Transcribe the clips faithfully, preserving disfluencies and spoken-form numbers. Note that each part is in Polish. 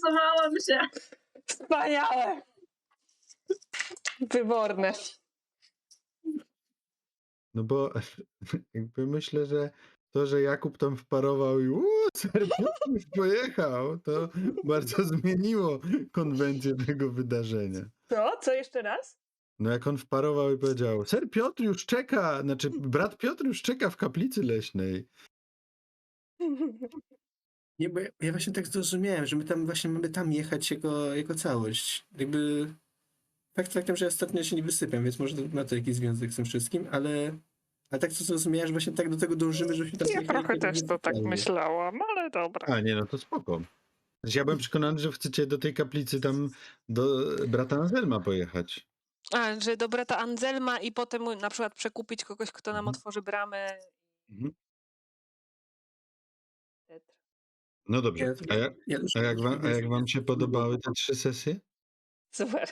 Stresowałam się. Wspaniałe. Wyborne. No bo jakby myślę, że to, że Jakub tam wparował i uuu, Ser Piotr już pojechał, to bardzo zmieniło konwencję tego wydarzenia. Co? Co jeszcze raz? No jak on wparował i powiedział, Ser Piotr już czeka, znaczy brat Piotr już czeka w kaplicy leśnej. Nie, bo ja, ja właśnie tak zrozumiałem, że my tam właśnie mamy tam jechać jako, jako całość. Jakby fakt faktem, że ja ostatnio się nie wysypiam, więc może to ma to jakiś związek z tym wszystkim, ale, ale tak to zrozumiałem, że właśnie tak do tego dążymy, żebyśmy tam Ja jechali trochę tak też to tak oficjalnie. myślałam, ale dobra. A nie, no to spoko. Znaczy, ja byłem przekonany, że chcecie do tej kaplicy tam do brata Anselma pojechać. A, że do brata Anselma i potem na przykład przekupić kogoś, kto nam Mhm. otworzy bramę. Mhm. No dobrze. Ja, A, jak, ja już a, jak wam, a jak wam się podobały te trzy sesje? Super.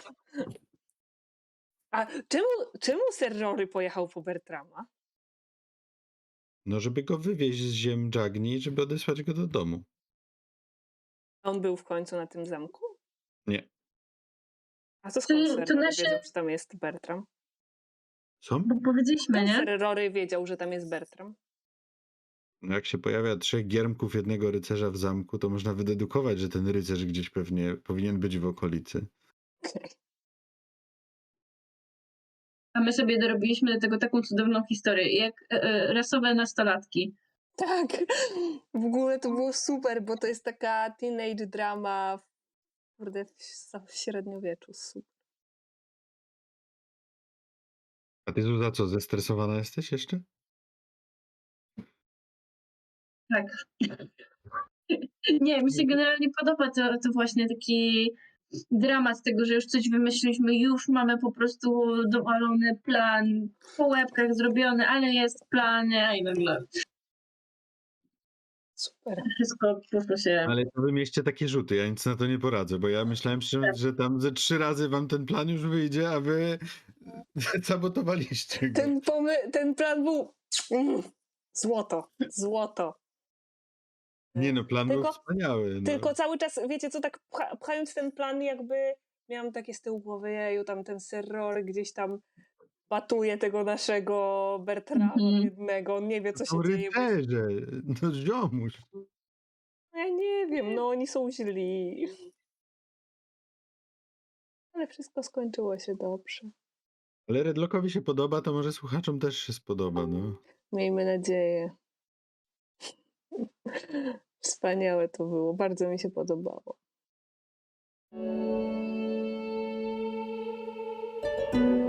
A czemu, czemu Ser Rory pojechał po Bertrama? No, żeby go wywieźć z ziem Jagni, żeby odesłać go do domu. On był w końcu na tym zamku? Nie. A to skąd To- Ser to Rory nasze- wiedział, że tam jest Bertram? Co? Bo powiedzieliśmy, Skąd nie? Ser Rory wiedział, że tam jest Bertram? No jak się pojawia trzech giermków jednego rycerza w zamku, to można wydedukować, że ten rycerz gdzieś pewnie powinien być w okolicy. Okej. A my sobie dorobiliśmy do tego taką cudowną historię, jak e, e, rasowe nastolatki. Tak. W ogóle to było super, bo to jest taka teenage drama w, kurde, w, w średniowieczu. Super. A ty, Zuza, co, zestresowana jesteś jeszcze? Tak. Nie, mi się generalnie podoba to, to właśnie taki dramat tego, że już coś wymyśliliśmy, już mamy po prostu dowalony plan, po łebkach zrobiony, ale jest plan, nie? I nagle Super. wszystko po prostu się... Ale to wy mieście takie rzuty, ja nic na to nie poradzę, bo ja myślałem, że, że tam ze trzy razy wam ten plan już wyjdzie, a wy sabotowaliście go. Ten, pomy- ten plan był mm, złoto, złoto. Nie no, plan był Tylko- wspaniały. No. Tylko cały czas, wiecie co, tak pcha- pchając ten plan jakby miałam takie z tyłu głowy, jeju, tam ten Ser Rory gdzieś tam batuje tego naszego Bertrama Mhm. biednego, on nie wie co się No dzieje. Bo... rycerze, no ziomuś. Ja nie wiem, no oni są źli. Ale wszystko skończyło się dobrze. Ale Redlockowi się podoba, to może słuchaczom też się spodoba, no. Miejmy nadzieję. Wspaniałe to było, bardzo mi się podobało.